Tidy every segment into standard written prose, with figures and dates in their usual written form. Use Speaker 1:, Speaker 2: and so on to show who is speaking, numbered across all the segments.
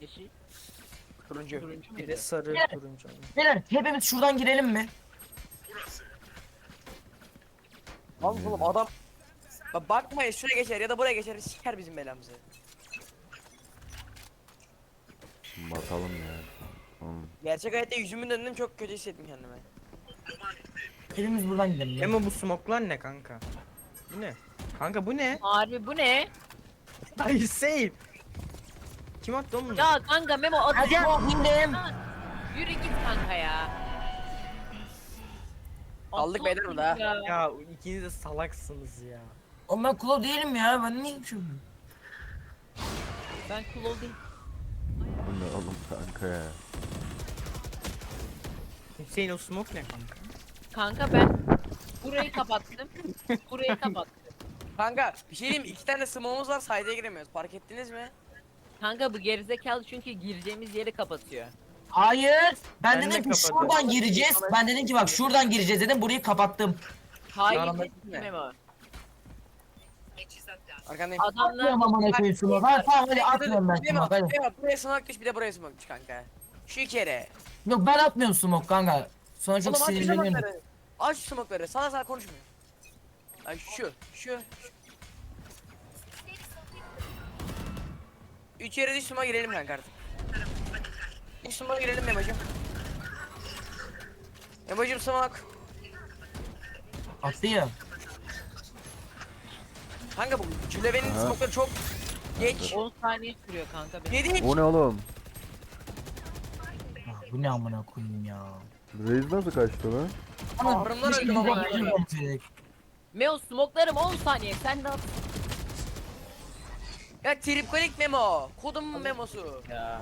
Speaker 1: yeşil?
Speaker 2: Turuncu.
Speaker 1: Turuncu
Speaker 3: Bir
Speaker 1: muydu?
Speaker 3: de sarı
Speaker 4: Gel.
Speaker 3: turuncu.
Speaker 4: Beyler hepimiz şuradan girelim mi?
Speaker 2: Oğlum adam bakmayın şuraya geçer ya da buraya geçer siker bizim belamızı.
Speaker 5: Bakalım ya. Oğlum.
Speaker 2: Gerçek hayatta yüzümün döndüm çok kötü hissettim kendime.
Speaker 4: Hepimiz buradan gidelim ya.
Speaker 3: Ama bu smoklar ne kanka? Bu ne? Kanka bu ne?
Speaker 1: Harbi bu ne?
Speaker 3: Ay save. Kim attı oğlum bunu?
Speaker 1: Ya kanka Memo
Speaker 4: Hadi
Speaker 1: atacağım.
Speaker 4: o indim.
Speaker 1: Yürü git kanka ya.
Speaker 2: Aldık beyler
Speaker 1: Aptal
Speaker 2: burada.
Speaker 1: ya.
Speaker 3: Ya ikiniz de salaksınız ya.
Speaker 4: Oğlum ben kulağı değilim ya. Ben niye içiyorum?
Speaker 1: Ben cool olayım.
Speaker 5: Bu ne oğlum kanka ya.
Speaker 3: Hüseyin o smoke ne kanka?
Speaker 1: Kanka ben burayı kapattım. Burayı kapattım.
Speaker 2: Kanka bir şey diyeyim mi? 2 tane smoke'umuz var saydaya giremiyoruz. Fark ettiniz mi?
Speaker 1: Kanka bu gerizekalı çünkü gireceğimiz yeri kapatıyor.
Speaker 4: Hayır. Ben
Speaker 3: Ben de
Speaker 4: dedim ki
Speaker 3: kapatıyorum.
Speaker 4: şuradan gireceğiz. Ben dedim ki bak şuradan gireceğiz dedim. Burayı kapattım.
Speaker 1: Hayır
Speaker 2: Yalan
Speaker 1: dedim
Speaker 2: etme.
Speaker 1: Memo.
Speaker 2: Arkandayım.
Speaker 1: Adamlar
Speaker 4: Atmıyorum amına koyayım smoke. Ha tamam hadi atmıyorum ben
Speaker 2: Değil mi?
Speaker 4: smoke hadi.
Speaker 2: Değil mi? Buraya smoke düş bir de buraya smoke düş kanka. Şu iki yere.
Speaker 4: Yok ben atmıyorum smoke kanka. Sonra çok
Speaker 2: Oğlum aç şu
Speaker 4: sinirleniyorum.
Speaker 2: smoke'ları. Aç şu smoke'ları. Sana sana konuşmuyor. Ay şu. 3 yere düş smoke'a girelim kanka artık. Düş smoke'a girelim Memo'cum. Memo'cum smoke.
Speaker 4: Attı ya.
Speaker 2: Kanka bu Cüleve'nin
Speaker 5: Aha.
Speaker 2: smoke'ları çok geç.
Speaker 1: 10 saniye sürüyor kanka benim.
Speaker 2: 7
Speaker 5: O ne oğlum?
Speaker 4: Ah, bu ne amına koyayım ya.
Speaker 5: Reis nasıl kaçtı lan?
Speaker 2: Ağrımdan
Speaker 4: Keşke
Speaker 2: öldüm
Speaker 4: biz
Speaker 2: ama.
Speaker 4: de bir şey yapsaydık.
Speaker 1: Meo smoklarım 10 saniye sen de at.
Speaker 2: Ya tripkolik Memo. Kodumun Memo'su.
Speaker 1: Ya.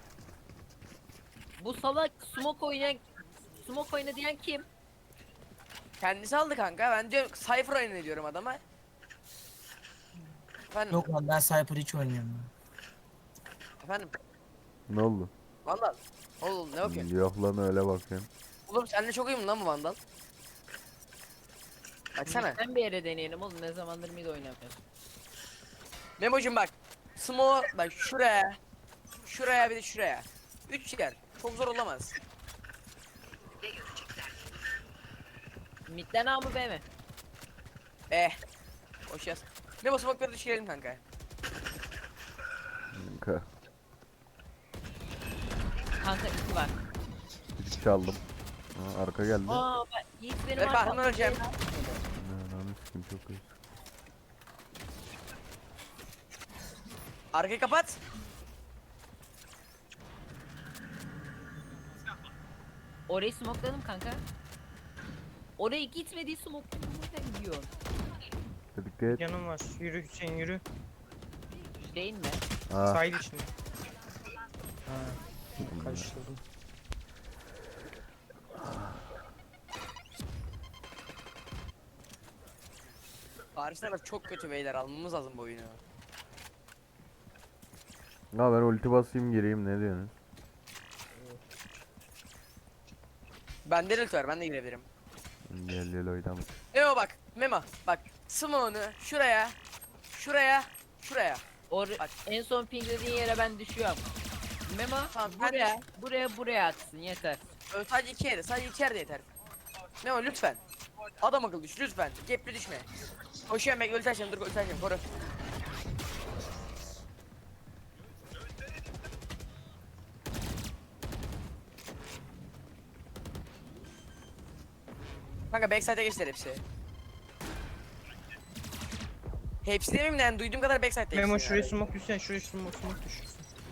Speaker 1: Bu salak smoke oyna diyen kim?
Speaker 2: Kendisi aldı kanka. Ben diyorum Cypher oyunu diyorum adama. Efendim.
Speaker 4: Yok lan ben Cypher hiç oynayamıyorum.
Speaker 2: Efendim.
Speaker 5: Ne oldu?
Speaker 2: Vandal. Oğlum ne yapıyorsun?
Speaker 5: Yok lan öyle bakıyorsun.
Speaker 2: Oğlum seninle çok uyum lan bu Vandal. Baksana.
Speaker 1: Sen bir yere deneyelim oğlum ne zamandır mid oynamıyorsun.
Speaker 2: Memo'cum bak. Smo bak şuraya. Şuraya bir de şuraya. 3 yer. Çok zor olamaz.
Speaker 1: Midden A mı B mi?
Speaker 2: Hoş yaz. Memo smoke'ları düşürelim kanka.
Speaker 5: Kanka.
Speaker 1: Kanka 2 var.
Speaker 5: Bir çaldım. Ha, arka geldi.
Speaker 1: Aa bak Yiğit benim
Speaker 2: Ver
Speaker 1: arkamda.
Speaker 2: karnımdan öleceğim.
Speaker 5: Ananı sikim çok iyi.
Speaker 2: Arkayı kapat.
Speaker 1: Orayı smokeladım kanka. Oraya gitmediği smokeladım nereden yiyorsun?
Speaker 5: Dikkat et.
Speaker 3: Yanım var. Yürü Hüseyin yürü.
Speaker 1: Değil mi?
Speaker 5: Aa.
Speaker 3: Sahil içinde. Ha. Karıştırdım.
Speaker 2: Paris taraf çok kötü beyler almamız lazım bu oyunu.
Speaker 5: Ya ben ulti basayım gireyim ne diyorsunuz?
Speaker 2: Bende de var ben de girebilirim.
Speaker 5: Gel oynama.
Speaker 2: Memo bak. Memo bak. Smoke'unu şuraya. Şuraya. Bak.
Speaker 1: En son pinglediğin yere ben düşüyorum. Memo
Speaker 2: Tamam, ben
Speaker 1: buraya atsın yeter.
Speaker 2: Sadece 2 yere. Sadece 2 yerde yeter. Memo lütfen. Adam akıllı düş lütfen. Gepli düşme. Koşuyorum bekle ulti açacağım dur ulti açacağım koru. Kanka backside'e geçtiler hepsi. Hepsi demeyeyim de yani duyduğum kadar backside'de
Speaker 3: Memo
Speaker 2: hepsi
Speaker 3: şuraya
Speaker 2: yani.
Speaker 3: smoke düşsen şuraya smoke düşürsün.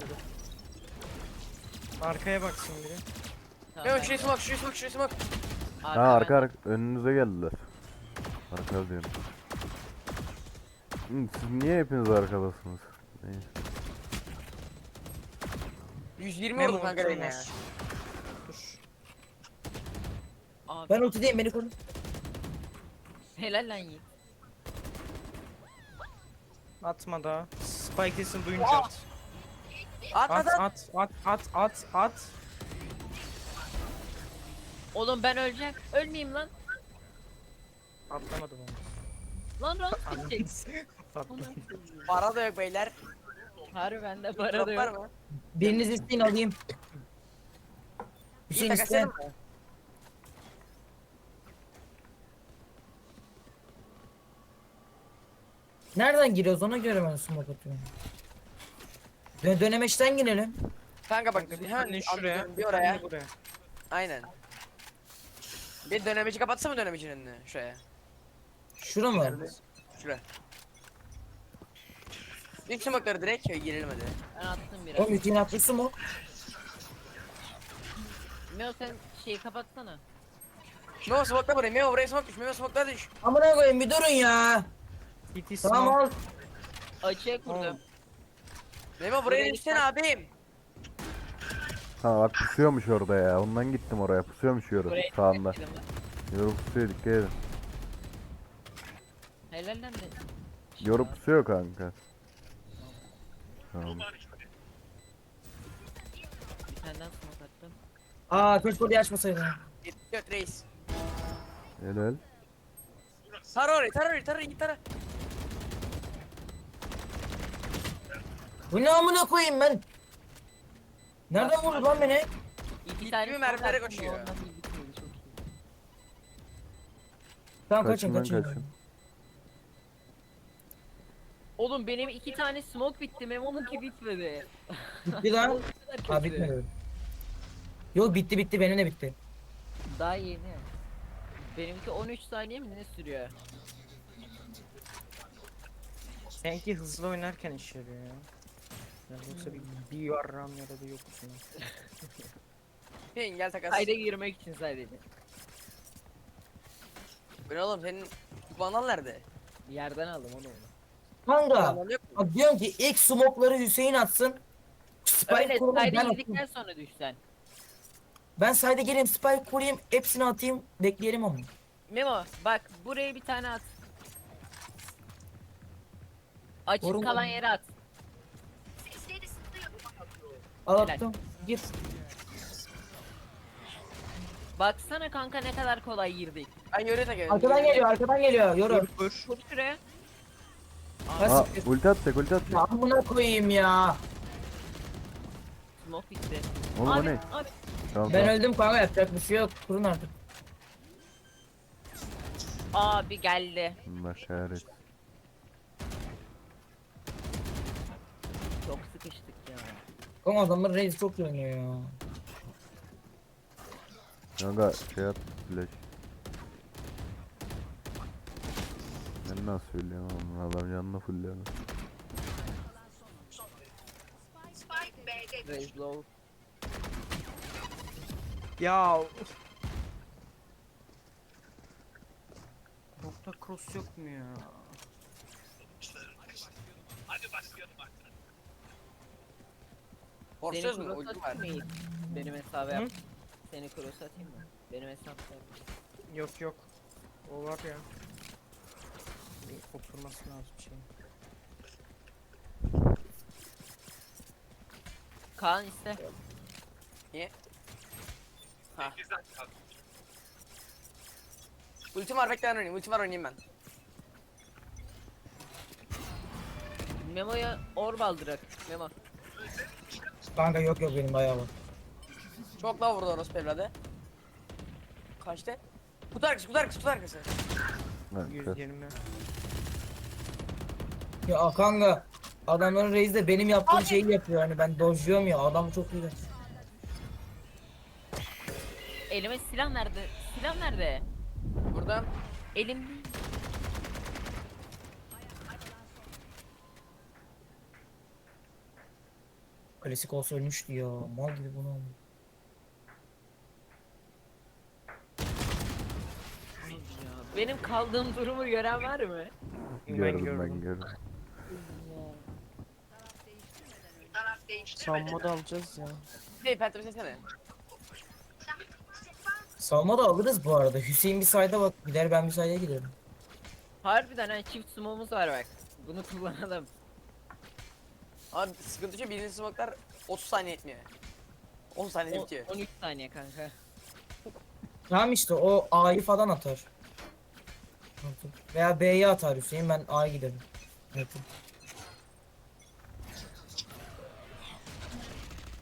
Speaker 3: Arkaya baksın biri.
Speaker 1: Tamam,
Speaker 2: Memo
Speaker 1: ben-
Speaker 2: şuraya smoke.
Speaker 5: Ha
Speaker 1: ben-
Speaker 5: arka önünüze geldiler. Arka diyorum. Siz niye hepiniz arkadasınız? Neyse.
Speaker 2: 120
Speaker 3: Memo
Speaker 2: vurdum kanka
Speaker 3: ultim
Speaker 2: Reyna ya.
Speaker 3: var. Dur.
Speaker 1: Abi,
Speaker 4: Ben ultideyim beni koru.
Speaker 1: helal lan Yiğit.
Speaker 3: Atma daha. Spike sesini duyunca at. At
Speaker 2: Atmadan.
Speaker 3: at.
Speaker 1: Oğlum ben öleceğim. Ölmeyeyim lan.
Speaker 3: Atlamadım onu.
Speaker 1: Lan lan.
Speaker 3: Patladı.
Speaker 2: Para da yok beyler.
Speaker 1: Harbi bende para
Speaker 2: Drop
Speaker 1: da
Speaker 2: var
Speaker 1: yok.
Speaker 2: mı?
Speaker 4: Biriniz isteyin alayım.
Speaker 2: İyi
Speaker 4: Hüseyin
Speaker 2: takas
Speaker 4: isteyen.
Speaker 2: edin mi?
Speaker 4: Nereden giriyoruz ona göre ben smoke atıyorum. Dönemeçten girelim.
Speaker 2: Kanka bak
Speaker 3: Kanka bir
Speaker 2: hemen
Speaker 3: tane şuraya,
Speaker 2: anlatıyorum,
Speaker 3: bir
Speaker 2: bir
Speaker 3: tane
Speaker 2: oraya.
Speaker 3: de buraya.
Speaker 2: Aynen. Bir dönemeci kapatsa mı dönemecinin önünü şuraya?
Speaker 4: Şura mı?
Speaker 2: Nerede? Şuraya. İlk smoke'ları direkt girelim hadi.
Speaker 1: Ben attım biraz.
Speaker 4: Oğlum Hüseyin attı smoke.
Speaker 1: Meo sen şeyi kapatsana.
Speaker 2: Memo smoke'la buraya. Memo buraya smoke düş. Memo smoke'la düş.
Speaker 4: Amına koyayım bir durun ya.
Speaker 3: CT
Speaker 4: Tamam
Speaker 3: smoke.
Speaker 4: al.
Speaker 1: Açığa kurdum.
Speaker 3: Oğlum.
Speaker 2: Memo buraya
Speaker 1: Buraya
Speaker 2: düşsene
Speaker 1: sen-
Speaker 2: abim.
Speaker 5: Ha bak pusuyormuş orada ya. Ondan gittim oraya. Pusuyormuş yoru
Speaker 1: Buraya
Speaker 5: sağında.
Speaker 1: çekelim lan.
Speaker 5: Yoru pusuyor, dikkat edin.
Speaker 1: Helal lan de.
Speaker 5: Yoru pusuyor kanka. Tamam.
Speaker 1: Bir tane daha smoke attım.
Speaker 4: Aa keşke orayı açmasaydın.
Speaker 2: 74 reis.
Speaker 5: Helal.
Speaker 2: Tara orayı, tara orayı, tara git tara.
Speaker 4: Bu ne amına koyayım ben? Nereden vurdu lan beni?
Speaker 1: İki
Speaker 2: İlk
Speaker 1: tane
Speaker 2: gibi
Speaker 1: smoke
Speaker 2: mermilere
Speaker 1: attım,
Speaker 2: koşuyor.
Speaker 1: ondan bir bitmedi, çok iyi.
Speaker 4: Tamam kaçın
Speaker 5: Kaçın lan
Speaker 4: kaçın.
Speaker 5: kaçın.
Speaker 1: Oğlum benim 2 tane smoke bitti. Memo'nunki bitmedi.
Speaker 4: Bitti lan.
Speaker 1: O kadar kötü.
Speaker 4: Aa bitmedi. Yok bitti bitti benim de bitti.
Speaker 1: Daha yeni. Benimki 13 saniye mi ne sürüyor?
Speaker 3: Sanki hızlı oynarken işe yarıyor ya. Ya yoksa bir yarram ya da bir yoksun.
Speaker 2: Hüseyin gel takas.
Speaker 1: Kayda girmek için sadece.
Speaker 2: Bu ne oğlum senin kumandan nerede?
Speaker 1: Yerden aldım onu.
Speaker 4: Kanka.
Speaker 2: Kumandan yok mu?
Speaker 4: Bak diyorum ki ilk smoke'ları Hüseyin atsın. Spike
Speaker 1: Öyle
Speaker 4: kuralım ben
Speaker 1: kayda
Speaker 4: atayım.
Speaker 1: girdikten sonra düşsen.
Speaker 4: Ben sayda geleyim spike kurayım hepsini atayım bekleyelim ama.
Speaker 1: Memo bak buraya bir tane at. Açık
Speaker 4: Doğru mu?
Speaker 1: kalan yere at.
Speaker 4: Al
Speaker 1: Helal.
Speaker 4: attım. Gir.
Speaker 1: Baksana kanka ne kadar kolay girdik.
Speaker 2: Ben yöre takıyorum.
Speaker 4: Arkadan geliyor arkadan geliyor. Yoru.
Speaker 3: Vur.
Speaker 1: Vur şuraya.
Speaker 4: Ha,
Speaker 5: Aa
Speaker 4: siktir.
Speaker 5: ulti atacak, ulti atacak.
Speaker 4: Ya amına koyayım ya.
Speaker 1: Smoke bitti.
Speaker 5: Oğlum o
Speaker 1: Abi,
Speaker 5: ne?
Speaker 1: abi.
Speaker 5: Tamam
Speaker 4: Ben
Speaker 5: tamam.
Speaker 4: öldüm kanka yapacak bir şey yok. Kurun artık.
Speaker 1: Abi geldi.
Speaker 5: Allah kahretsin.
Speaker 1: Çok sıkıştık ya.
Speaker 4: Ama adamlar reis çok iyi oynuyor ya.
Speaker 5: Kanka şey at flash. Ben nasıl söyleyeyim oğlum, adam canını fullüyor.
Speaker 1: Raise low.
Speaker 3: Ya. Nokta cross yok mu ya?
Speaker 2: Forsöz mü?
Speaker 1: cross
Speaker 2: Ultim var.
Speaker 1: atayım mı? Benim hesabı
Speaker 3: Hı?
Speaker 1: yap. Seni cross atayım mı? Benim hesapta.
Speaker 3: Yok yok. O var ya. Bir oturması lazım şey.
Speaker 1: Kaan iste.
Speaker 2: Niye? Ha. Ultim var bekle ben oynayayım. Ultim var oynayayım ben.
Speaker 1: Memo'ya orb aldırak. Memo.
Speaker 4: Kanka yok yok benim bayağı var.
Speaker 2: Çok daha vurdu orospu evladı. Kaçtı? Kutu arkası, kutu arkası, kutu arkası.
Speaker 5: Ha,
Speaker 3: 120.
Speaker 4: Ya kanka adamların reis de benim yaptığım şeyi yapıyor hani ben dojluyorum ya adam çok iyi.
Speaker 1: Elime silah nerede? Silah nerede?
Speaker 2: Buradan.
Speaker 1: Elim değil.
Speaker 4: Klasik olsa ölmüştü ya mal gibi bunu aldım.
Speaker 1: Ya, benim kaldığım durumu gören var mı?
Speaker 5: gördüm ben gördüm.
Speaker 3: Savunma da alacağız ya.
Speaker 2: Hey Phantom sesene.
Speaker 4: Salma da alırız bu arada. Hüseyin bir sayda bak gider ben bir sayda giderim.
Speaker 1: Harbiden ha çift sumomuz var bak. Bunu kullanalım.
Speaker 2: Abi sıkıntı şu birinci smoke'lar 30 saniye etmiyor. 10 saniyede bitiyor.
Speaker 1: 13 saniye kanka.
Speaker 4: Tamam işte o A'yı falan atar. Veya B'yi atar Hüseyin ben A'ya giderim. Evet.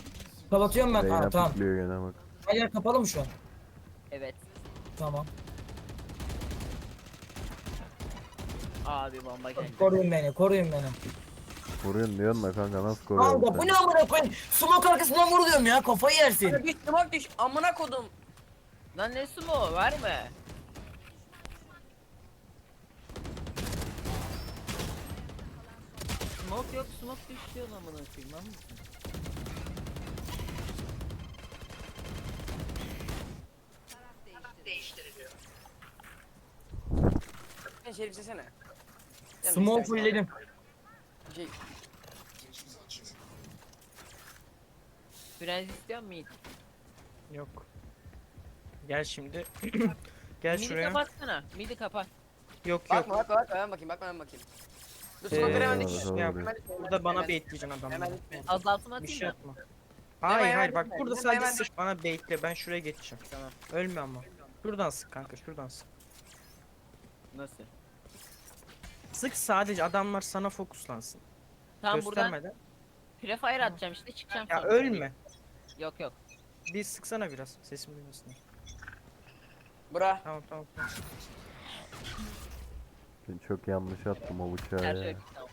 Speaker 4: Kapatıyorum ben.
Speaker 5: Reyna
Speaker 4: Ha, tamam.
Speaker 5: pikliyor gene bak.
Speaker 4: Her yer kapalı mı şu an?
Speaker 1: Evet.
Speaker 4: Tamam.
Speaker 1: Abi bomba geldi.
Speaker 4: Koruyun beni, koruyun beni.
Speaker 5: Vuruyorsun diyorsun da kanka nasıl koruyorsun
Speaker 4: Kanka bu
Speaker 5: sen?
Speaker 4: ne amına koyayım? Smoke arkasından vuruluyorum ya, kafayı yersin.
Speaker 2: Hadi bir smoke düş. Amına kodum.
Speaker 1: Lan ne sumo var mı? Smoke yok, smoke düşüyor lan amına koyayım lan mısın?
Speaker 2: Sen şerif sesene.
Speaker 4: Smoke fullledim.
Speaker 2: Şey,
Speaker 1: Frenz istiyor musun?
Speaker 3: Yok. Gel şimdi. Gel
Speaker 1: Midi
Speaker 3: şuraya.
Speaker 1: kapatsana. Midi kapat.
Speaker 3: Yok yok.
Speaker 2: bakma bakma ben bakayım ben bakayım. Dur smoke'ları hemen düş.
Speaker 5: Tamam,
Speaker 3: Ya,
Speaker 5: tamam.
Speaker 3: burada bana baitleyeceksin adamları.
Speaker 2: Hemen
Speaker 1: Azaltma
Speaker 3: Bir
Speaker 1: atayım
Speaker 3: şey
Speaker 1: mı?
Speaker 3: atma. Hayır
Speaker 2: hemen
Speaker 3: hayır bak
Speaker 2: gitme,
Speaker 3: burada
Speaker 2: gitme,
Speaker 3: sadece
Speaker 2: hemen
Speaker 3: sık bana baitle, ben şuraya geçeceğim. Tamam. Ölme ama. Şuradan sık kanka, şuradan sık.
Speaker 1: Nasıl?
Speaker 3: Sık, sadece adamlar sana fokuslansın.
Speaker 1: Tam buradan
Speaker 3: Göstermeden.
Speaker 1: prefire atacağım işte çıkacağım
Speaker 3: Ya
Speaker 1: sonra.
Speaker 3: ölme.
Speaker 1: Yok yok.
Speaker 3: Bir sıksana biraz, sesim duymasın.
Speaker 2: Bura.
Speaker 3: Tamam tamam tamam.
Speaker 5: Ben çok yanlış attım o bıçağı
Speaker 1: Her
Speaker 5: ya.
Speaker 1: şey tamam.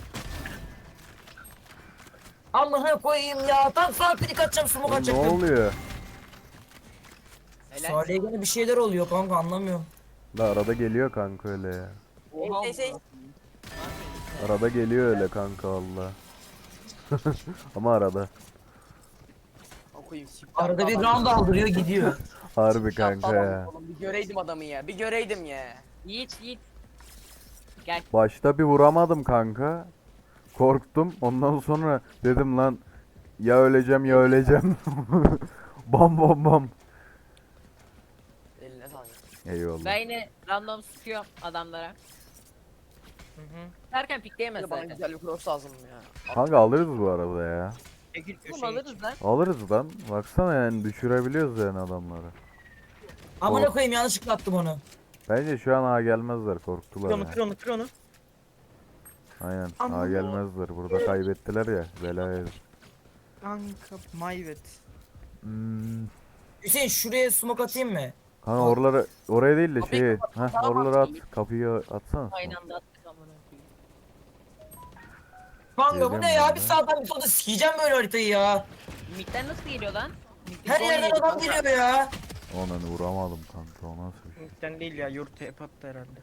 Speaker 4: Amına koyayım ya. Tam sağ klik atacağım, smoke
Speaker 5: Oğlum ne
Speaker 4: atacaktım.
Speaker 5: oluyor?
Speaker 1: Helal.
Speaker 4: Salih'e gene bir şeyler oluyor kanka, anlamıyorum.
Speaker 5: Da arada geliyor kanka öyle ya.
Speaker 1: Oha,
Speaker 2: Şey,
Speaker 5: Arada geliyor öyle kanka valla. Ama arada.
Speaker 2: Okuyayım. siktir.
Speaker 4: Arada bir round aldırıyor gidiyor.
Speaker 5: Harbi kanka ya.
Speaker 2: Oğlum, bir göreydim adamı ya. Bir göreydim ya.
Speaker 1: Yiğit. Gel.
Speaker 5: Başta bir vuramadım kanka. Korktum. Ondan sonra dedim lan ya öleceğim ya öleceğim. Bam bam bam.
Speaker 2: Eline sağlık.
Speaker 5: Eyvallah.
Speaker 1: Ben yine random sıkıyorum adamlara.
Speaker 3: Hı hı.
Speaker 1: Derken pikleyemez
Speaker 2: Bir de bana
Speaker 1: zaten.
Speaker 2: güzel bir cross lazım ya.
Speaker 5: Kanka alırız bu arada ya.
Speaker 3: Çekil
Speaker 1: Oğlum
Speaker 3: köşeye.
Speaker 1: alırız lan.
Speaker 5: Alırız lan. Baksana yani düşürebiliyoruz yani adamları.
Speaker 4: Amına koyayım, yanlışlıkla attım onu.
Speaker 5: Bence şu an A gelmezler, korktular
Speaker 3: Kır onu
Speaker 5: ya.
Speaker 3: kır onu kır onu.
Speaker 5: Aynen A
Speaker 3: Amma.
Speaker 5: gelmezler. Burada kaybettiler ya. Bela yedik.
Speaker 3: Kanka mayvet.
Speaker 5: Hmm.
Speaker 4: Hüseyin şuraya smoke atayım mı?
Speaker 5: Kanka oraları oraya değil de
Speaker 2: Kapıyı
Speaker 5: şeyi.
Speaker 2: kapat,
Speaker 5: Heh,
Speaker 2: tamam,
Speaker 5: oraları at.
Speaker 2: kapıyı.
Speaker 5: Kapıyı atsana.
Speaker 1: Aynı anda attık amına koyayım.
Speaker 4: Kanka bu
Speaker 5: Geliyorum
Speaker 4: ne ya?
Speaker 5: ben
Speaker 4: Bir
Speaker 5: de.
Speaker 4: sağdan bir solda sikeceğim böyle haritayı ya.
Speaker 1: Mid'den nasıl geliyor lan? Mid'den
Speaker 4: Her yerden adam geliyor ya.
Speaker 5: Onu vuramadım kanka. O nasıl bir şey?
Speaker 3: Muhtemelen değil ya, yurt hep attı herhalde.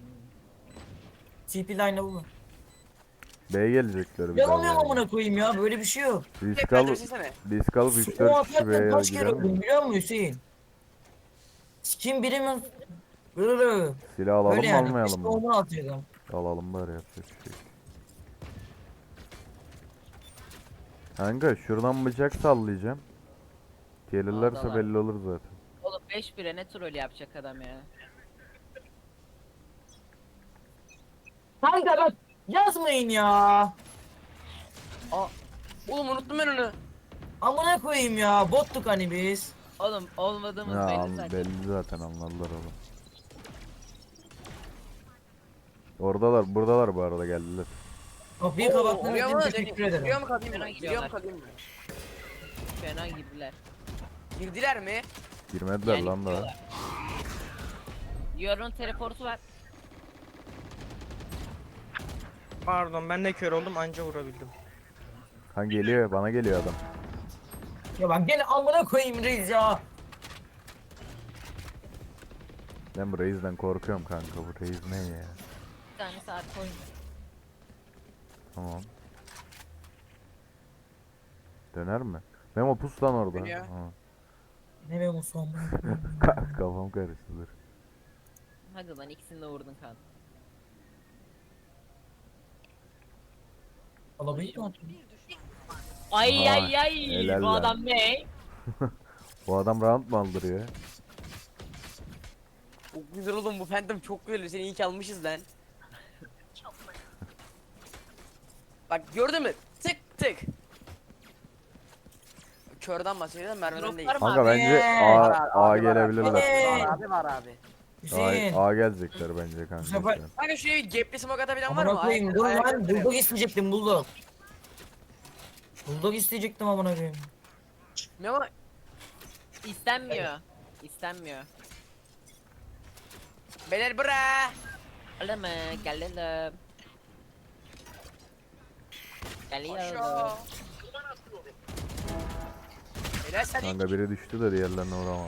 Speaker 4: TP line'ı bu.
Speaker 5: B'ye gelecekler bir
Speaker 4: Yalamıyorum
Speaker 5: daha.
Speaker 4: amına koyayım ya, böyle bir şey yok.
Speaker 5: Risk
Speaker 2: Tekrar
Speaker 5: alıp
Speaker 2: dönsene.
Speaker 5: risk alıp
Speaker 4: O
Speaker 5: 3-4 kişi B'ye
Speaker 4: atarken kaç kere
Speaker 5: gider mi?
Speaker 4: öldüm biliyor musun Hüseyin? Kim birimi böyle
Speaker 5: Silah alalım
Speaker 4: böyle
Speaker 5: mı
Speaker 4: yani.
Speaker 5: almayalım
Speaker 4: İşte
Speaker 5: mı?
Speaker 4: onu atıyordum.
Speaker 5: Alalım bari yapacak bir şey. Kanka şuradan bıçak sallayacağım. Gelirlerse
Speaker 1: Aldılar.
Speaker 5: belli olur zaten.
Speaker 1: Oğlum 5-1'e ne troll yapacak adam ya.
Speaker 4: Kanka bak yazmayın ya.
Speaker 2: Oğlum unuttum ben onu.
Speaker 4: Amına koyayım ya, bottuk hani biz.
Speaker 1: Oğlum olmadığımız
Speaker 5: Ya
Speaker 1: belli zaten.
Speaker 5: belli zaten anladılar oğlum. Oradalar, buradalar bu arada geldiler.
Speaker 4: Kapıyı kapattığın
Speaker 2: Oraya
Speaker 4: için
Speaker 2: mı
Speaker 4: teşekkür
Speaker 2: döneyim?
Speaker 4: ederim.
Speaker 2: Giriyor mu kalayım mı?
Speaker 1: Hemen
Speaker 2: Giriyor mu
Speaker 1: giriyorlar.
Speaker 2: kalayım mı?
Speaker 1: Fena girdiler.
Speaker 2: Girdiler mi?
Speaker 5: Girmediler
Speaker 1: Yani
Speaker 5: lan daha.
Speaker 1: gidiyorlar. Yorun teleportu var.
Speaker 3: Pardon, ben de kör oldum, anca vurabildim.
Speaker 5: Ha geliyor, bana geliyor adam.
Speaker 4: Ya bak gene amına koyayım reis ya.
Speaker 5: Ben bu reisden korkuyorum kanka, bu reis ne ya?
Speaker 1: Bir tane saat koyun.
Speaker 5: Tamam. Döner mi? Memo pus lan orada.
Speaker 2: Dönüyor.
Speaker 5: Ha.
Speaker 4: Ne be Musa amına koyayım.
Speaker 5: Kafam karıştı dur.
Speaker 1: Hadi lan ikisini de vurdun kan.
Speaker 4: Alabayı mı attın?
Speaker 1: Ay
Speaker 5: Aa,
Speaker 1: ay ay
Speaker 5: helal
Speaker 1: bu
Speaker 5: lan.
Speaker 1: adam ne?
Speaker 5: Bu adam round mı aldırıyor?
Speaker 2: Çok güzel oğlum bu Phantom çok güzel. Seni iyi ki almışız lan. Bak gördün mü? Tık tık. Körden bahsediyorum, mermiden
Speaker 1: Drop
Speaker 2: değil.
Speaker 1: var mı
Speaker 5: Kanka
Speaker 1: abi?
Speaker 5: bence
Speaker 4: Var,
Speaker 5: A
Speaker 2: abi, var,
Speaker 5: gelebilirler.
Speaker 2: Var abi var abi.
Speaker 4: Hüseyin.
Speaker 5: A gelecekler bence kanka.
Speaker 4: sefer-
Speaker 5: şu an.
Speaker 2: Kanka şuraya bir gapli smoke atabilen var
Speaker 4: Amına
Speaker 2: mı?
Speaker 4: koyayım dur
Speaker 2: Ayak-
Speaker 4: lan, bulldog isteyecektim bulldog. Bulldog isteyecektim amına koyayım.
Speaker 2: Memo
Speaker 1: İstenmiyor. İstenmiyor.
Speaker 2: beyler bura.
Speaker 1: Öyle mi? Gelelim. Geliyorum.
Speaker 2: Aşağı. Beyler sen
Speaker 5: Kanka biri düştü de diğerlerine vuramam.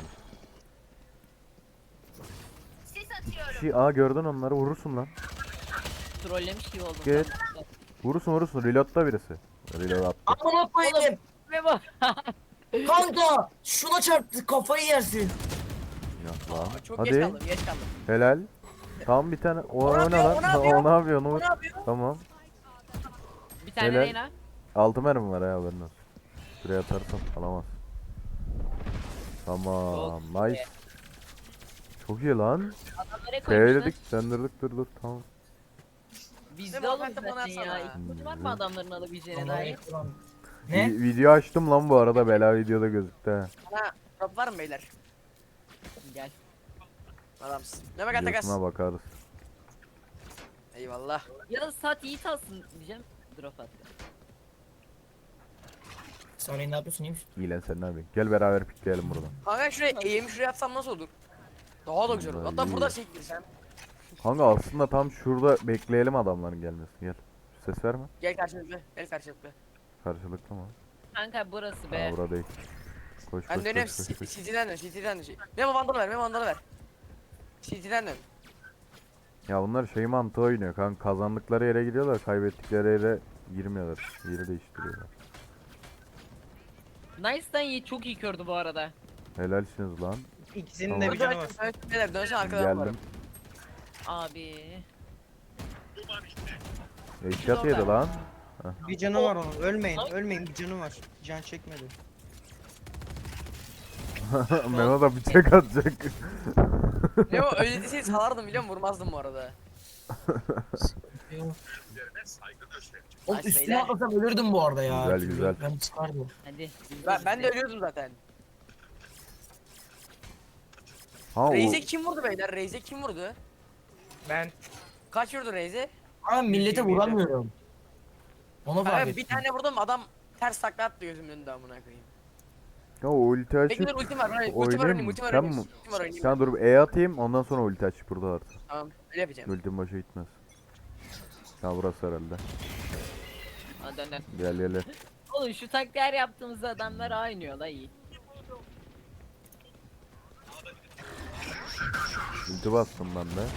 Speaker 5: Gördün onları vurursun lan.
Speaker 1: Trollemiş gibi oldum.
Speaker 5: Gel. Vurursun reload'da birisi. Reload attı.
Speaker 4: Amına koyayım.
Speaker 1: Memo.
Speaker 4: Kanka şuna çarptı kafayı yersin.
Speaker 5: Yok lan.
Speaker 2: çok geç
Speaker 5: Hadi.
Speaker 2: kaldım geç kaldım.
Speaker 5: Helal. Tam bir tane. O
Speaker 2: ne
Speaker 5: ne
Speaker 2: yapıyor,
Speaker 5: lan?
Speaker 2: o ne yapıyor?
Speaker 5: O ne yapıyor? Onu
Speaker 2: O
Speaker 5: vur.
Speaker 2: ne yapıyor?
Speaker 5: Tamam.
Speaker 1: Bir tane
Speaker 5: Helal.
Speaker 1: Reyna.
Speaker 5: 6 mermi var ya haberin olsun. Şuraya atarsam alamaz. Tamam.
Speaker 1: Çok
Speaker 5: Nice. Çok iyi lan.
Speaker 1: Adamlara koymuşlar.
Speaker 5: F'ledik, sendirdik, dur tamam.
Speaker 1: Bizde
Speaker 2: Memo,
Speaker 1: oğlum
Speaker 2: ben de bana
Speaker 1: zaten ya.
Speaker 2: atsana.
Speaker 1: İlk var mı adamların alabileceğine dair?
Speaker 4: Ne?
Speaker 5: Video açtım lan bu arada, bela videoda gözüktü ha.
Speaker 2: Bana drop var mı beyler?
Speaker 1: Gel.
Speaker 2: Adamsın. Ne bak atakas.
Speaker 5: Videosuna bakarız.
Speaker 2: Eyvallah.
Speaker 1: Ya da saat Yiğit alsın diyeceğim. Drop attı.
Speaker 4: Sonra ne yapıyorsun iyiymiş?
Speaker 5: İyi lan sen ne yapıyorsun? Gel beraber pikleyelim buradan.
Speaker 2: Kanka şuraya eğimi şuraya atsam nasıl olur? Daha da güzel olur.
Speaker 5: Vallahi
Speaker 2: Hatta
Speaker 5: iyi
Speaker 2: burada
Speaker 5: ya.
Speaker 2: çektirsem.
Speaker 5: Kanka aslında tam şurada bekleyelim adamların gelmesini, gel. Ses verme.
Speaker 2: Gel karşılıklı. Gel karşılıklı.
Speaker 5: Karşılıklı mı?
Speaker 1: Kanka burası be.
Speaker 5: Ha burada değil. Koş
Speaker 2: Ben
Speaker 5: koş
Speaker 2: dönüyorum.
Speaker 5: koş koş. koş.
Speaker 2: City'den dön. City'den dön. Memo vandalı ver. Memo vandalı ver. City'den dön.
Speaker 5: Ya bunlar şey mantığı oynuyor kanka, kazandıkları yere gidiyorlar, kaybettikleri yere girmiyorlar. Yeri değiştiriyorlar.
Speaker 1: Nice'dan Yiğit çok iyi kördü bu arada.
Speaker 5: Helalsiniz lan.
Speaker 3: İkisinin de bir canı var.
Speaker 2: Beyler dönsen arkadan var.
Speaker 5: Geldim.
Speaker 1: Abi.
Speaker 5: Eşyat yedi lan.
Speaker 3: Bir canı var onun. Ölmeyin, ölmeyin, bir canı var. Can çekmedi.
Speaker 5: Memo da bıçak atacak.
Speaker 2: Memo öyle deseydi salardım biliyor musun? Vurmazdım bu arada.
Speaker 4: Oğlum
Speaker 2: Nice
Speaker 4: üstüne
Speaker 2: beyler.
Speaker 4: atlasam ölürdüm bu arada ya.
Speaker 5: Güzel, güzel.
Speaker 4: Ben çıkardım.
Speaker 1: Hadi.
Speaker 2: Ben de ölüyordum zaten.
Speaker 5: Ha o
Speaker 2: Reis'e kim vurdu beyler? Reis'e kim vurdu?
Speaker 3: Ben
Speaker 2: Kaç vurdu Reis'e?
Speaker 4: Ama millete vuramıyorum. Ona fark
Speaker 2: Kanka
Speaker 4: ettim.
Speaker 2: bir tane vurdum adam ters takla attı gözümün önünde amına koyayım.
Speaker 5: ya o ulti açıp
Speaker 2: Bekle dur ultim var. Ultim var
Speaker 5: oynayayım
Speaker 2: oynayayım.
Speaker 5: mı?
Speaker 2: Ultim var
Speaker 5: Sen
Speaker 2: oynayayım.
Speaker 5: mi?
Speaker 2: Ultim var oynayayım.
Speaker 5: Sen dur E atayım, ondan sonra ulti aç burada artık.
Speaker 2: Tamam öyle yapacağım.
Speaker 5: Ultim başa gitmez. Ya burası herhalde.
Speaker 1: Hadi dön.
Speaker 5: Gel gel gel.
Speaker 1: Oğlum şu taktiğer yaptığımızda adamlar oynuyor la iyi.
Speaker 5: Ulti bastım ben de.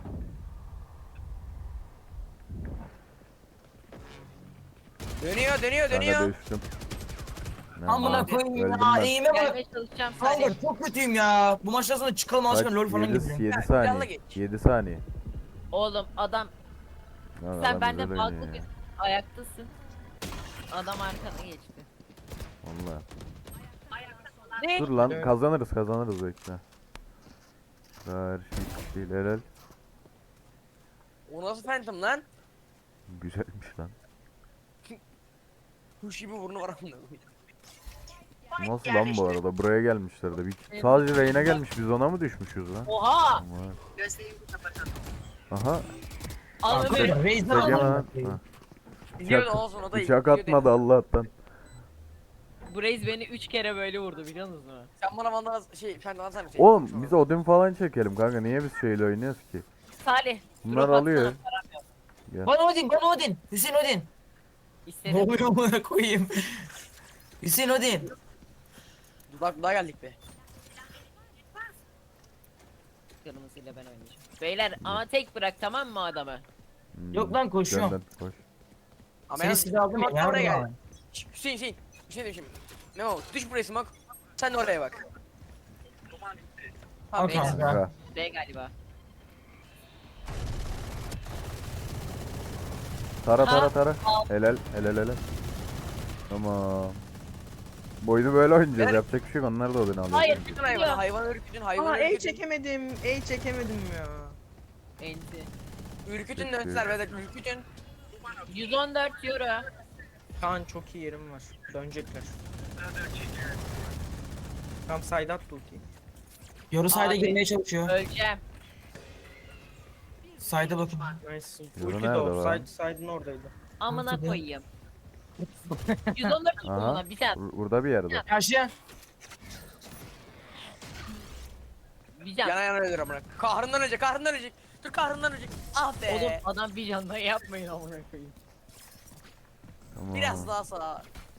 Speaker 2: Dönüyor dönüyor
Speaker 5: Ben de
Speaker 2: dönüyor.
Speaker 5: düştüm. Ne
Speaker 4: Amına
Speaker 5: yapayım?
Speaker 4: koyayım
Speaker 5: Öldüm
Speaker 4: ya.
Speaker 5: ben.
Speaker 4: Eğime bak.
Speaker 1: Gelmeye çalışacağım sadece.
Speaker 4: Kanka çok kötüyüm ya. Bu maçtan sonra çıkalım
Speaker 5: Kaç?
Speaker 4: aşkına LoL falan
Speaker 5: 7,
Speaker 4: gidelim.
Speaker 5: 7
Speaker 2: Ha, planla
Speaker 5: saniye.
Speaker 2: geç.
Speaker 5: 7 saniye.
Speaker 1: Oğlum adam
Speaker 5: Lan
Speaker 1: sen
Speaker 5: adam
Speaker 1: benden
Speaker 5: güzel
Speaker 1: farklı
Speaker 5: oynuyor
Speaker 1: bir
Speaker 5: ya.
Speaker 1: ayaktasın. Adam arkana geçti.
Speaker 5: Vallahi.
Speaker 1: Ne?
Speaker 5: Dur lan,
Speaker 3: Evet.
Speaker 5: kazanırız bekle. Her şey değil, helal.
Speaker 2: O nasıl phantom lan?
Speaker 5: Güzelmiş lan.
Speaker 2: Kuş gibi burnu var amına koyayım.
Speaker 5: Nasıl lan bu arada? Buraya gelmişler de. Sadece Reyna gelmiş, biz ona mı düşmüşüz lan?
Speaker 1: Oha!
Speaker 5: Aman. Aha.
Speaker 1: Al Ömer.
Speaker 4: Arkadaşlar Raze'den
Speaker 5: Sege lan.
Speaker 4: aldım.
Speaker 5: Ha,
Speaker 2: Biliyordu olsun o da
Speaker 5: Bıçak
Speaker 2: biliyordu.
Speaker 5: atmadı Allah'tan.
Speaker 1: Bu reis beni 3 kere böyle vurdu biliyor musunuz?
Speaker 2: Sen bana vandal phantom atsana bir şey.
Speaker 5: Oğlum biz Odin falan çekelim kanka. Niye biz şeyle oynuyoruz ki?
Speaker 1: Salih.
Speaker 5: Bunlar
Speaker 1: drop
Speaker 5: alıyor.
Speaker 1: atsana, param yok.
Speaker 4: Bana Odin, bana Odin. Hüseyin Odin. Ne
Speaker 1: İstedim.
Speaker 4: oluyor amına koyayım? Hüseyin Odin.
Speaker 2: Dudak geldik be.
Speaker 1: Kırmızıyla ben oynayacağım. Beyler ama tek bırak tamam mı adamı?
Speaker 4: Yok lan, koşuyorum.
Speaker 5: Gönder, koş.
Speaker 2: Ama
Speaker 4: Seni
Speaker 2: yalnız-
Speaker 4: size aldım ya.
Speaker 2: Smoke oraya
Speaker 4: Nerede
Speaker 2: gel.
Speaker 4: lan?
Speaker 2: Hüseyin Hüseyin. Bir şey diyeyim şimdi. Memo düş buraya smoke. Sen de oraya bak. Tamam
Speaker 4: Al
Speaker 2: beyler.
Speaker 4: kanka.
Speaker 5: Kanka.
Speaker 1: B galiba.
Speaker 5: Tara
Speaker 1: Ha,
Speaker 5: tara. Helal helal. Tamam. Boyunu böyle oynayacağız.
Speaker 2: Evet.
Speaker 5: Yapacak bir şey yok. Onlar da Odin alıyor.
Speaker 1: Hayır.
Speaker 2: Bütün hayvan, hayvan ürkütün, hayvan
Speaker 3: Aa,
Speaker 2: ürkütün.
Speaker 3: çekemedim ya.
Speaker 1: Enti.
Speaker 2: Ürkütün dönsünler beyler, ürkütün.
Speaker 1: 114 euro.
Speaker 3: Kaan çok iyi yerim var. Dönecekler. Tam side at ultiyi.
Speaker 4: Yoru side'a
Speaker 1: Abi.
Speaker 4: girmeye çalışıyor.
Speaker 1: Öleceğim.
Speaker 4: Side'a bakın.
Speaker 3: Nice.
Speaker 5: Yoru
Speaker 3: Ulti de
Speaker 5: nerede
Speaker 3: o.
Speaker 5: lan?
Speaker 3: Side'ın oradaydı.
Speaker 1: Amına
Speaker 4: Ortada.
Speaker 1: koyayım. 114 vurdum
Speaker 5: Aha.
Speaker 1: ona bir tane.
Speaker 5: Burada bir yerde.
Speaker 4: Karşıya.
Speaker 1: Bir can.
Speaker 2: Yana yana ölür amına. Kahrından ölecek, kahrından ölecek. Dur kahrından ölecek. Ah be.
Speaker 1: Oğlum adam bir canla yapmayın amına koyayım.
Speaker 5: Tamam.
Speaker 2: Biraz daha sağa.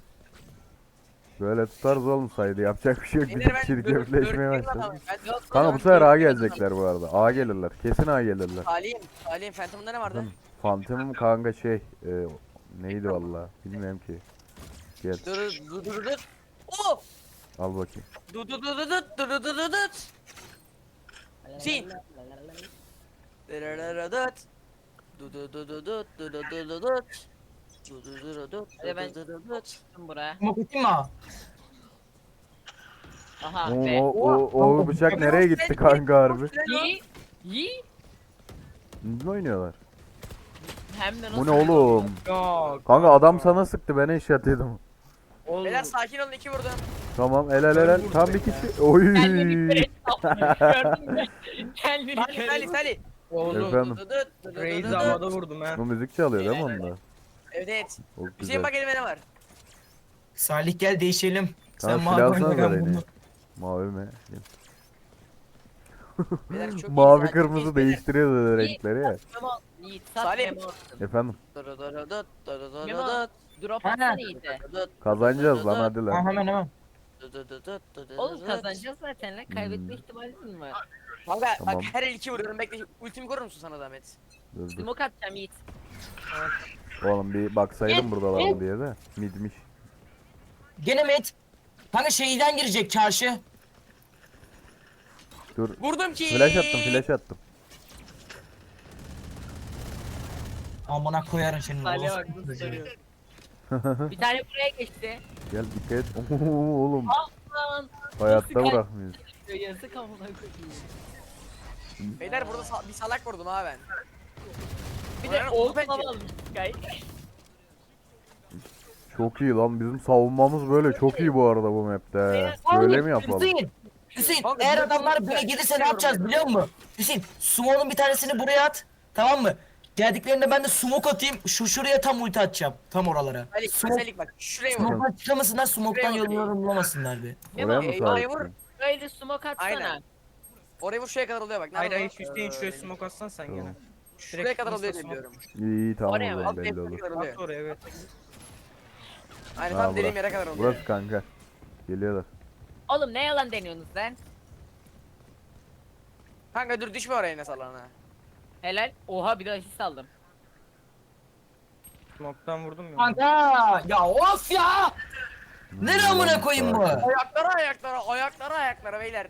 Speaker 5: Böyle tutarız oğlum saydı. Yapacak bir şey yok. Bir
Speaker 2: Beyler ben
Speaker 5: kişilik
Speaker 2: dört-
Speaker 5: devleşmeye
Speaker 2: dört-
Speaker 5: başladı.
Speaker 2: Ben-
Speaker 1: Yok,
Speaker 5: Kanka bu
Speaker 1: oğlum,
Speaker 5: sefer A
Speaker 1: dört-
Speaker 5: gelecekler bu arada. A gelirler. Kesin A gelirler.
Speaker 2: Salih'in Phantom'da ne vardı?
Speaker 5: Phantom'um kanka neydi valla bilmiyorum ki. Gel
Speaker 2: Dur. Oh!
Speaker 5: al bakayım.
Speaker 2: Dur. Sin.
Speaker 1: Hadi ben- Tuttum buraya.
Speaker 4: Smoke atayım mı?
Speaker 1: Aha
Speaker 5: O,
Speaker 1: be.
Speaker 5: o bıçak nereye gitti kanka harbi?
Speaker 1: İyi. İyi.
Speaker 5: Ne oynuyorlar?
Speaker 1: Hem de
Speaker 5: Bu
Speaker 1: nasıl?
Speaker 5: ne oğlum?
Speaker 3: Ya
Speaker 5: Kanka adam sana sıktı ben eşyat yedim.
Speaker 3: oğlum.
Speaker 2: Beyler sakin olun 2 vurdum.
Speaker 5: Tamam helal. Tam bir kişi. Oy.
Speaker 1: Kendini kör et. Gördün mü? Kendini kör et.
Speaker 2: Salih.
Speaker 3: Oğlum.
Speaker 5: Efendim?
Speaker 3: Reis havada vurdum ha.
Speaker 5: Bu müzik çalıyor değil mi onda?
Speaker 2: Evet.
Speaker 5: Çok
Speaker 2: Hüseyin
Speaker 5: güzel.
Speaker 2: bak elime ne var?
Speaker 4: Salih gel değişelim.
Speaker 5: Kanka
Speaker 4: mavi
Speaker 5: silahsana
Speaker 4: oyna,
Speaker 5: da
Speaker 4: ben
Speaker 5: beni.
Speaker 4: bunu.
Speaker 5: Mavi mi?
Speaker 2: Beyler çok iyi,
Speaker 5: Mavi
Speaker 2: sakin
Speaker 5: kırmızı
Speaker 2: beyler.
Speaker 5: değiştiriyordu renkleri ya.
Speaker 1: Memo. Yiğit sat
Speaker 2: Salih.
Speaker 1: Memo.
Speaker 5: Efendim
Speaker 1: Memo. Drop
Speaker 4: Ha.
Speaker 1: atsana Yiğit'e.
Speaker 5: kazanacağız lan hadi
Speaker 4: Ha,
Speaker 5: lan.
Speaker 4: hemen.
Speaker 1: Oğlum kazanacağız zaten lan. Kaybetme ihtimalin var.
Speaker 2: Kanka
Speaker 5: Tamam.
Speaker 2: bak her el 2 vuruyorum bekle. Ultimi korur musun sana zahmet?
Speaker 5: Dur.
Speaker 1: Smoke atacağım Yiğit.
Speaker 5: Oğlum bir baksaydım buradalar mı diye de. Midmiş.
Speaker 4: Gene met. Kanka şeyden girecek çarşı.
Speaker 5: Dur.
Speaker 2: Vurdum ki.
Speaker 5: Flash attım.
Speaker 4: Amına koyarım senin.
Speaker 1: Salih'e
Speaker 4: orospu
Speaker 1: bak nasıl
Speaker 4: çocuğu.
Speaker 1: soruyor. Bir tane buraya geçti.
Speaker 5: Gel dikkat et. Oo, oğlum
Speaker 1: Lan.
Speaker 5: hayatta
Speaker 1: Nasıl
Speaker 5: bırakmıyoruz.
Speaker 1: Yazık amına koyayım.
Speaker 2: Beyler burada bir salak vurdum ha ben.
Speaker 1: Bir de
Speaker 2: Aynen,
Speaker 1: oğlum
Speaker 2: bence.
Speaker 1: almış Sky.
Speaker 5: Çok iyi lan bizim savunmamız böyle çok iyi bu arada bu map'te. Böyle mi yapalım?
Speaker 4: Hüseyin
Speaker 2: Kanka,
Speaker 4: eğer
Speaker 2: bir-
Speaker 4: adamlar
Speaker 2: bir-
Speaker 4: buraya
Speaker 2: bir-
Speaker 4: gelirse
Speaker 2: bir-
Speaker 4: ne yapacağız biliyor musun? Hüseyin smoke'un bir tanesini buraya at. Tamam mı? Geldiklerinde ben de smoke atayım. Şuraya tam ulti atacağım. Tam oralara.
Speaker 2: Salih bak şuraya vur.
Speaker 4: Smoke'dan çıkamasınlar, smoke'tan
Speaker 2: Şuraya vur.
Speaker 4: yolunu bulamasınlar bir.
Speaker 1: Memo
Speaker 5: Oraya mı
Speaker 2: eyvah, vur.
Speaker 5: sahipsin?
Speaker 1: böyle smoke atsana.
Speaker 2: Aynen. Oraya vur şuraya kadar oluyor bak.
Speaker 3: Hayır
Speaker 2: Nerede
Speaker 3: hayır
Speaker 2: o?
Speaker 3: Hüseyin şuraya smoke atsan sen gene.
Speaker 2: Şuraya kadar oluyor
Speaker 3: insta
Speaker 2: diye biliyorum.
Speaker 5: İyi tamam
Speaker 1: Oraya
Speaker 5: o
Speaker 1: mı?
Speaker 5: zaman
Speaker 2: Alt
Speaker 5: belli
Speaker 2: tepki
Speaker 5: olur.
Speaker 2: kadar
Speaker 3: At
Speaker 2: oluyor.
Speaker 3: oraya evet.
Speaker 2: Aynen
Speaker 5: Ha,
Speaker 2: tam dediğim
Speaker 5: burası.
Speaker 2: yere kadar oluyor.
Speaker 5: Burası kanka. Geliyorlar.
Speaker 1: Oğlum ne yalan deniyorsunuz lan?
Speaker 2: Kanka dur düşme oraya ne salağına.
Speaker 1: Helal. Oha bir de asist aldım.
Speaker 3: Smoke'tan vurdum ya.
Speaker 4: Kanka ya of ya! Nereye amına koyayım bu?
Speaker 2: Ayaklara beyler.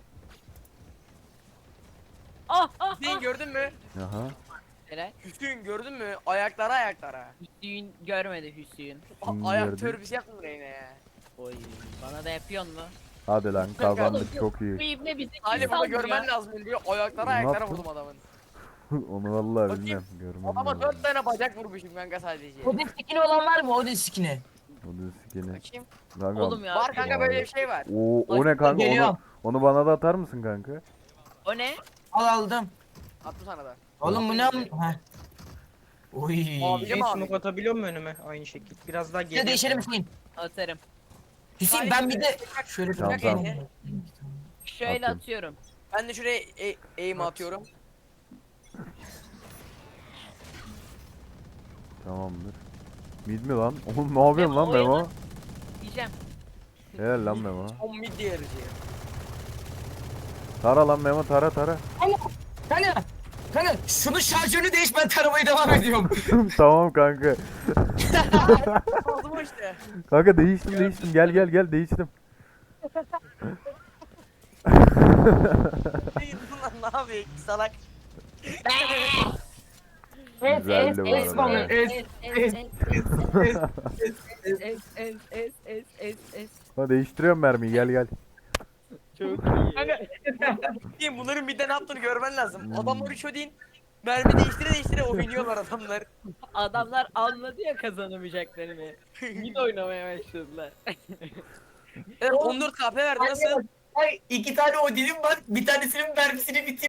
Speaker 1: Ah ah
Speaker 2: Hüseyin
Speaker 1: ah.
Speaker 2: gördün mü?
Speaker 5: Aha.
Speaker 1: Helal.
Speaker 2: Hüseyin gördün mü? Ayaklara.
Speaker 1: Hüsnü görmedi Hüsnü.
Speaker 5: Kim
Speaker 2: Ayak
Speaker 5: gördü?
Speaker 2: törpüsü yaptın buraya yine ya.
Speaker 1: Oy bana da yapıyorsun mu?
Speaker 5: Hadi lan kazandık çok
Speaker 1: Bu
Speaker 5: iyi.
Speaker 1: ibne bizi
Speaker 2: Salih
Speaker 1: kim
Speaker 2: bunu
Speaker 1: saldırıyor?
Speaker 2: görmen lazım diyor. Ayaklara
Speaker 5: Ne
Speaker 2: ayaklara
Speaker 5: yaptın?
Speaker 2: vurdum adamın.
Speaker 5: Onu vallahi
Speaker 2: Bakayım.
Speaker 5: bilmem. Görmem
Speaker 2: Adama
Speaker 5: lazım.
Speaker 2: 4 tane bacak vurmuşum kanka sadece.
Speaker 4: Odin skin'i olan var mı Odin skin'i?
Speaker 5: O da sikini.
Speaker 2: Bakayım.
Speaker 5: Kanka.
Speaker 1: Oğlum ya.
Speaker 2: Var kanka böyle bir şey var.
Speaker 5: O ne kanka
Speaker 4: Geliyor.
Speaker 5: onu bana da atar mısın kanka?
Speaker 1: O ne?
Speaker 4: Aldım.
Speaker 2: Attım sana da.
Speaker 4: Oğlum bu ne am... Heh. Oy.
Speaker 2: Abi.
Speaker 3: Hüseyin
Speaker 2: abi.
Speaker 3: smoke atabiliyor mu önüme? Aynı şekil. Biraz daha
Speaker 4: Bir de
Speaker 3: geriye.
Speaker 4: değişelim Hüseyin.
Speaker 1: Atarım.
Speaker 4: Hüseyin ben bir de şöyle
Speaker 5: Tamam,
Speaker 4: bir
Speaker 5: tamam.
Speaker 1: Şöyle
Speaker 5: Atayım.
Speaker 1: atıyorum.
Speaker 2: Ben de şuraya aim atıyorum.
Speaker 5: Tamamdır. Mid mi lan? Oğlum ne yapıyorsun lan
Speaker 1: Memo,
Speaker 5: Memo?
Speaker 1: Diyeceğim.
Speaker 5: Helal lan Memo.
Speaker 2: On mid diğerici.
Speaker 5: Tara lan Memo tara.
Speaker 4: Kanka şunun şarjörünü değiş ben taramaya devam ediyorum.
Speaker 5: Tamam kanka.
Speaker 2: Oldu mu işte?
Speaker 5: Kanka değiştim. Gel değiştim.
Speaker 2: Lan ne yapıyor salak?
Speaker 5: Güzeldi bu
Speaker 4: es bana,
Speaker 5: arada.
Speaker 1: Es.
Speaker 5: Ha değiştiriyorum mermiyi gel.
Speaker 1: Çok iyi.
Speaker 2: Diyeyim bunların midde ne yaptığını görmen lazım. Adamlar 3 ödeyin. Mermi değiştire oynuyorlar adamlar.
Speaker 1: Adamlar anladı ya kazanamayacaklarını. Mid oynamaya başladılar.
Speaker 2: Evet 14 KP verdi nasıl?
Speaker 4: Ay 2 tane Odin'im var. Bir tanesinin mermisini bitirdim.